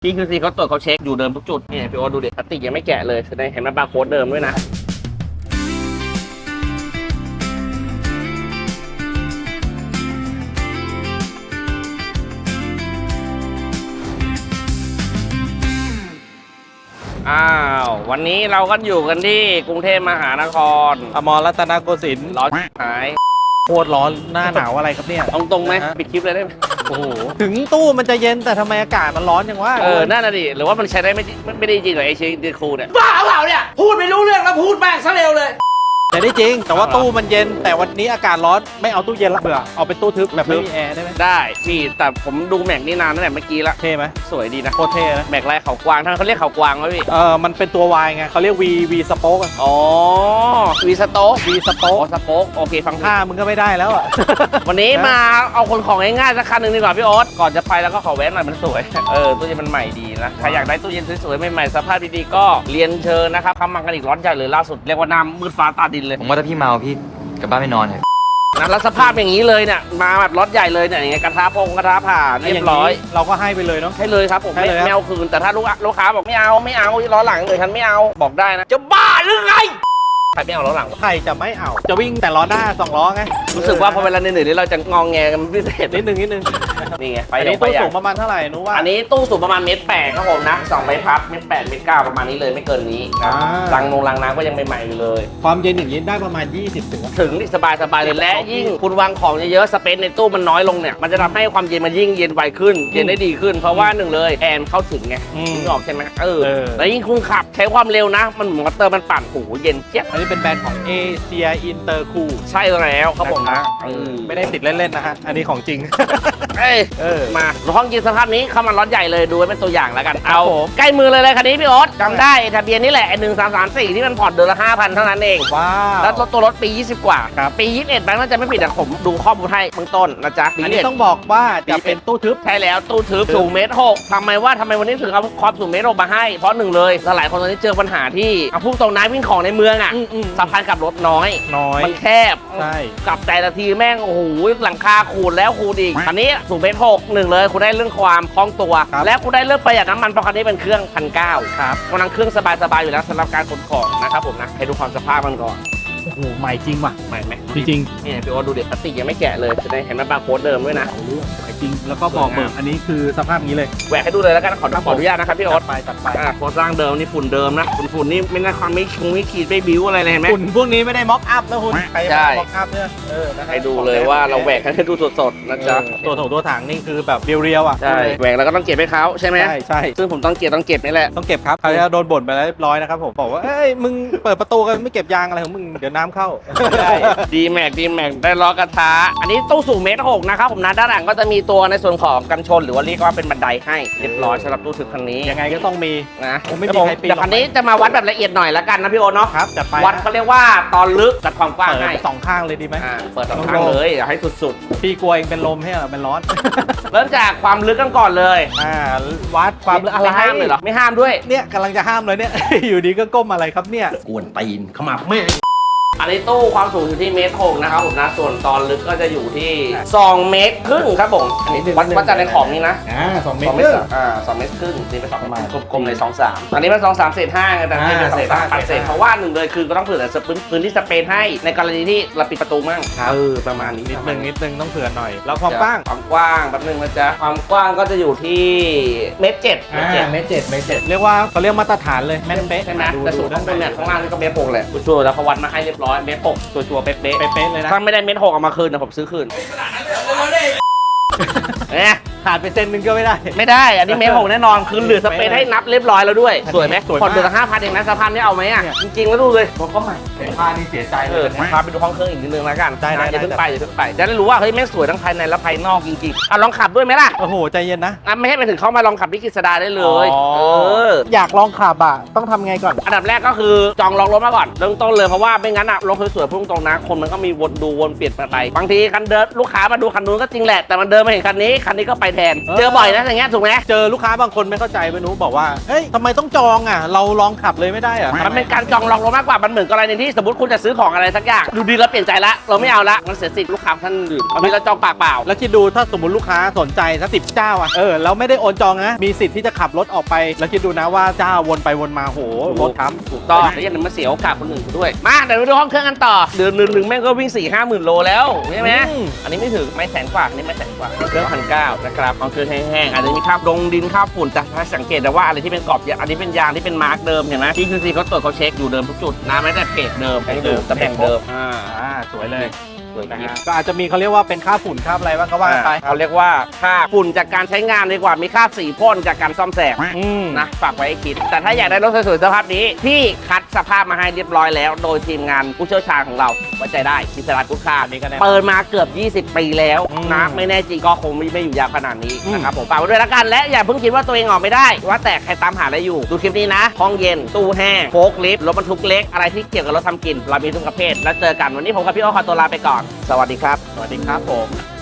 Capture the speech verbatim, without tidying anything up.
พี่คือซีเขาตรวจเขาเช็คอยู่เดิมทุกจุดนี่พี่โอ๊ตดูดิพลาสติกยังไม่แกะเลยแสดงเห็นมันบาร์โค้ดเดิมด้วยนะอ้าววันนี้เราก็อยู่กันที่กรุงเทพมหานครอมรรัตนโกสินทร์ร้อนหายโคตรร้อนหน้าหนาวอะไรครับเนี่ยตรงตรงไหมปิดคลิปเลยได้ไหมโอ้โหถึงตู้มันจะเย็นแต่ทำไมอากาศมันร้อนจังวะเออนั่นน่ะดิหรือว่ามันใช้ได้ไม่ไม่ได้จริงเหรอไอเชนดีคูเนี่ยบ้าเปล่าเนี่ยพูดไม่รู้เรื่องแล้วพูดแม่งซะเร็วเลยแต่ได้จริงแต่ว่าตู้มันเย็นแต่วันนี้อากาศร้อนไม่เอาตู้เย็นละเบื่อเอาเป็นตู้ทึบแบบไม่มีแอร์ได้ไหมได้พี่แต่ผมดูแม็กนี่นานตั้งแต่เมื่อกี้ละเท่ไหมสวยดีนะโคตรเท่นะแม็กลายเขากวางท่านเขาเรียกเขากวางไหมพี่เออมันเป็นตัว Y ไงเขาเรียก V V สโป๊กอ๋อวีสโต๊ก V สโป๊กสโป๊กโอเคฟังท่ามึงก็ไม่ได้แล้วอ่ะวันนี้มาเอาคนของง่ายๆสักคันหนึ่งดีกว่าพี่โอ๊ตก่อนจะไปแล้วก็ขอแวะหน่อยมันสวยเออตู้เย็นมันใหม่ดีนะใครอยากได้ตู้เย็นสวยๆใหม่ๆสภาพดีๆก็เรียนเชิญนะครับทำมากันอีกร้อนใหญ่เลยล่าสุดเรียกว่าน้ำมืดฟ้าตาดินเลยผมว่าถ้าพี่เมาพี่กลับบ้านไปนอนเถอะนะแล้วสภาพอย่างนี้เลยเนี่ยมาแบบรถใหญ่เลยเนี่ยอย่างเงี้ยกระทะพงกระทะผ่าเรียบร้อยเราก็ให้ไปเลยเนาะให้เลยครับผมไม่ไม่เอาคืนแต่ถ้าลูกลูกค้าบอกไม่เอาไม่เอาล้อหลังเลยฉันไม่เอาบอกได้นะจะบ้าหรือไงใครไม่เอาล้อหลังใครจะไม่เอาจะวิ่งแต่ล้อหน้าสองล้อไงรู้สึกว่าพอเวลาเหนื่อยๆเราจะงองแงกันพิเศษนิดนึงนิดนึงนี่ไงไปอันนี้ตู้สูงประมาณเท่าไหร่นู้ว่าอันนี้ตู้สูงประมาณเมตรแปดครับผมนะสองใบพัดเมตรแปดเมตรเก้าประมาณนี้เลยไม่เกินนี้นะรังนงรังน้ำก็ยังใหม่ๆอยู่เลยความเย็นอย่างนี้ได้ประมาณยี่สิบถึงถึงสบายสบายเลยและยิ่งคุณวางของเยอะๆสเปซในตู้มันน้อยลงเนี่ยมันจะทำให้ความเย็นมันยิ่งเย็นไวขึ้นเย็นได้ดีขึ้นเพราะว่าหนึ่งเลยแอร์เข้าถึงไงนึกออกใช่ไหมเออแล้วยิ่งคุณขับใช้ความเร็วนะมันมอเตอร์มันปั่นโอ้โหเย็นเจี๊ยบอันนี้เป็นแบรนด์ของเอเชียอินเตอร์คูลใช่แล้วครับผมนะไม่ได้ติดเล่นๆนะฮะอันนี้ของจริงเอ้ยมาห้องกินสภาพนี้เข้ามาล็อตใหญ่เลยดูไว้เป็นตัวอย่างแล้วกันเอาใกล้มือเลยเลยคันนี้พี่โอ๊ตจำได้ทะเบียนนี่แหละหนึ่งสามสามสี่ที่มันผ่อนเดือนละห้าพันเท่านั้นเองว้าวแล้วตัวรถปียี่สิบกว่าปียี่สิบเอ็ดแบงค์น่าจะไม่ผิดแต่ผมดูข้อมูลให้เบื้องต้นนะจ๊ะอันนี้ต้องบอกว่าจะเป็นตู้ทึบใช่แล้วตู้ทึบสูงเมตรหกทำไมว่าทำไมวันนี้ถึงเอาความสูงเมตรหกมาให้เพราะหนึ่งเลยหลายคนตอนนี้เจอปัญหาที่เอาพุ่งตรงน้ำวิ่งของในเมืองอ่ะสะพานกับรถน้อยน้อยมันแคบใช่กับแต่ละทีแม่งโอ้โหหลังคาขูดแล้วขูดอีกอันนี้สูงเมตรหกหนึ่งเลยคุณได้เรื่องความคล่องตัวและคุณได้เรื่องประหยัดน้ำมันเพราะคันนี้เป็นเครื่องพันเก้าครับกำลังเครื่องสบายๆอยู่แล้วสำหรับการขนของนะครับผมนะให้ดูความสภาพมันก่อนโอ้โหใหม่จริงว่ะใหม่ไหมจริงๆนี่พี่โอ๊ตดูเด็กพลาสติกยังไม่แกะเลยจะได้เห็นมันบาร์โค้ดเดิมด้วยนะใหม่จริงแล้วก็บอกเบิกอันนี้คือสภาพนี้เลยแหวกให้ดูเลยแล้วกันขอขออนุญาตนะครับพี่โอ๊ตไปตัดไปโครงสร้างเดิมนี่ฝุ่นเดิมนะฝุ่นฝุ่นนี่ไม่น่าความไม่คงไม่ขีดไม่บิ้วอะไรเลยเห็นไหมฝุ่นพวกนี้ไม่ได้ม็อกอัพนะคุณใช่ม็อกอัพเนี่ยเออให้ดูเลยว่าเราแหวกให้ดูสดๆนะจ๊ะตัวถงตัวถังนี่คือแบบเรียวๆอ่ะใช่แหวกแล้วก็ต้องเก็บให้เขาใช่ไหมใช่ใช่ซึ่งผมต้องเก็บต้องเก็บนี่แหละต้องเก็บครับเขาจะโดนบ่นไปแล้วเรียบร้อยนะครับผมบอกว่าเอ้ยมึงเปิดประตูกันไม่เก็บยางอะไรของมึงเดี๋ยวน้ำเข้าดีแม็กดีแม็กได้ล้อกระทะอันนี้ตู้สูงเมตรหกนะครับผมนะด้านหลังก็จะมีตัวในส่วนของกันชนหรือว่าเรียกว่าเป็นบันไดให้เรียบร้อยสำหรับตู้ทึบคันนี้ยังไงก็ต้องมีนะผมไม่มีใครปีนแต่คันนี้จะมาวัดแบบละเอียดหน่อยละกันนะพี่โอเนาะครับจัดไปวัดเขาเรียกว่าตอนลึกจัดความกว้างให้สองข้างเลยดีไหมเปิดสองข้างเลยอยากให้สุดๆพี่กลัวเองเป็นลมให้เหรอเป็นร้อนเริ่มจากความลึกกันก่อนเลยอ่าวัดความลึกอะไรห้ามเลยเหรอไม่ห้ามด้วยเนี่ยกำลังจะห้ามเลยเนี่ยอยู่ดีก็ก้มอะไรครับเนี่ยกวนตีนขมับแม่อันนี้ตู้ความสูงอยู่ที่เมตรหกนะครับผมนะส่วนตอนลึกก็จะอยู่ที่สองเมตรครึ่งครับผมอันนี้วัดวัดจากในของนี้นะอ่าสองเมตรอ่าสองเมตรครึ่งนี่เป็นสองประมาณกลมๆเลยสองสามอันนี้เป็นสองสามเศษห้าแต่นี่เป็นเศษห้าเศษเพราะว่าหนึ่งเลยคือก็ต้องเผื่อพื้นพื้นที่สเปนให้ในกรณีที่เราปิดประตูมั่งเออประมาณนี้นิดนึงนิดนึงต้องเผื่อหน่อยแล้วความกว้างความกว้างแป๊บนึงนะจ๊ะความกว้างก็จะอยู่ที่เมตรเจ็ดเมตรเจ็ดเมตรเจ็ดเมตรเจ็ดเรียกว่าเขาเรียกมาตรฐานเลยแม่นเป๊ะใช่ไหมแต่สูงข้างบนเนี่ยข้างล่างนี่ก็เมตรหกแหละชัวร์แล้วเขาวัดมาให้เรียบร้อยเมตรหกชัวร์เป๊ะเป๊ะเป๊ะเลยนะถ้าไม่ได้เม็ดหกเอามาคืนนะผมซื้อคืนเนี่ยขาดไปเซนนึงก็ไม่ได้ไม่ได้อันนี้เม็ดหกแน่นอนคือเหลือสเปซให้นับเรียบร้อยแล้วด้วยสวยไหมผ่อนเดือนละห้าพันเองนะสะพานนี่เอาไหมอ่ะจริงๆแล้วดูเลยผมก็ใหม่ผ้านี่เสียใจเลยพาไปดูห้องเครื่องอีกนิดนึงแล้วกันได้อย่าเพิ่งไปอย่าเพิ่งไปจะได้รู้ว่าเฮ้ยแม่งสวยทั้งภายในและภายนอกจริงๆอ่ะลองขับด้วยไหมล่ะโอ้โหใจเย็นนะอ่ะไม่ให้ไปถึงเข้ามาลองขับที่กฤษดาได้เลยเอออยากลองขับอ่ะต้องทำไงก่อนอันดับแรกก็คือจองล็อกรถมาก่อนเริ่มต้นเลยเพราะว่าไม่งั้นอ่ะรถสวยๆพุ่งตรงนะคนมันก็มีวนดูวนเปลี่ยนไปบางทีคันเดินลูกค้ามาดูคันนู้นก็จริงแหละแต่มันเดินมาเห็นคันนี้คันนี้ก็ไปแทนเจอบ่อยนะอย่างเงี้ยถูกไหมเจอลูกค้าบางคนไม่เข้าใจไปนู้บอกว่าเฮ้ยทำไมต้องจองอ่ะเราลองขับเลยไม่ได้เหรอมันเป็นการจองลองรถมากกว่ามันเหมือนกรณีที่สมมติคุณจะซื้อของอะไรสักอย่างดูดีแล้วเปลี่ยนใจละเราไม่เอาละมันเสียสิทธิ์ลูกค้าท่านอื่นบางทีเราจองปากเปล่าแล้วคิดดูถ้าสมมติลูกค้าสนใจสักสิบเจ้าอ่ะเออแล้วไม่ได้โอนจองนะมีสิทธิ์ที่จะขับรถออกไปแล้วคิดดูนะว่าเจ้าวนไปวนมาโหรถค้ำถูกต้องแล้วยังมาเสียโอกาสคนอื่นด้วยมาเดี๋ยวไปดูห้องเครื่องกันต่อเดือนหนึ่งหนึ่งแม่งก็วิ่งสี่ห้าหมื่นโลแล้วใช่ไหมอันนี้ไม่ถึงไม่แสนกว่าอันนี้ไม่แสนกว่าเครื่องพันเก้านะครับห้องเครื่องแห้งๆอาจจะมีคราบดงดินคราบฝุ่นแต่ถ้าสังเกตได้ว่าอะไรที่เป็นกรอบอันนี้เป็นยางที่เป็นมาร์กเดิมเห็นไหมที่คือซีเขาตรวจเขาเช็คอยู่เดิมทุกจุดนะแม้แต่เพจเดิมให้ดูตำแหน่งเดิมอ่าอ่าสวยเลยสวยนะจริงฮะก็อาจจะมีเขาเรียกว่าเป็นค่าฝุ่นค่าอะไรบ้างก็ว่ากันไปเขาเรียกว่าค่าฝุ่นจากการใช้งานดีกว่ามีค่าสีพ่นจากการซ่อมแซมอืมนะฝากไว้ให้คิด แต่ถ้าอยากได้รถสวยๆสภาพนี้พี่คัดสภาพมาให้เรียบร้อยแล้ว โดยทีมงานผู้เชี่ยวชาญของเราไว้ใจได้พิศรากุ๊กค่านี่ก็แน่เปิดมาเกือบยี่สิบปีแล้วอืมนะไม่แน่จริงก็คงไม่ไม่อยู่ยาวขนาดนี้อืมนะครับผมฝากไว้ด้วยละกันและอย่าเพิ่งคิดว่าตัวเองออกไม่ได้ ว่าแต่ใครตามหาอะไรอยู่ดูคลิปนี้นะห้องเย็นตู้แห้งโฟล์คลิฟต์รถบรรทุกเล็กอะไรที่เกี่ยวกับรถทำกินเรามีทุกประเภทแล้วเจอกันวันนี้ผมกับพี่โอขอตัวลาไปก่อนสวัสดีครับสวัสดีครับผม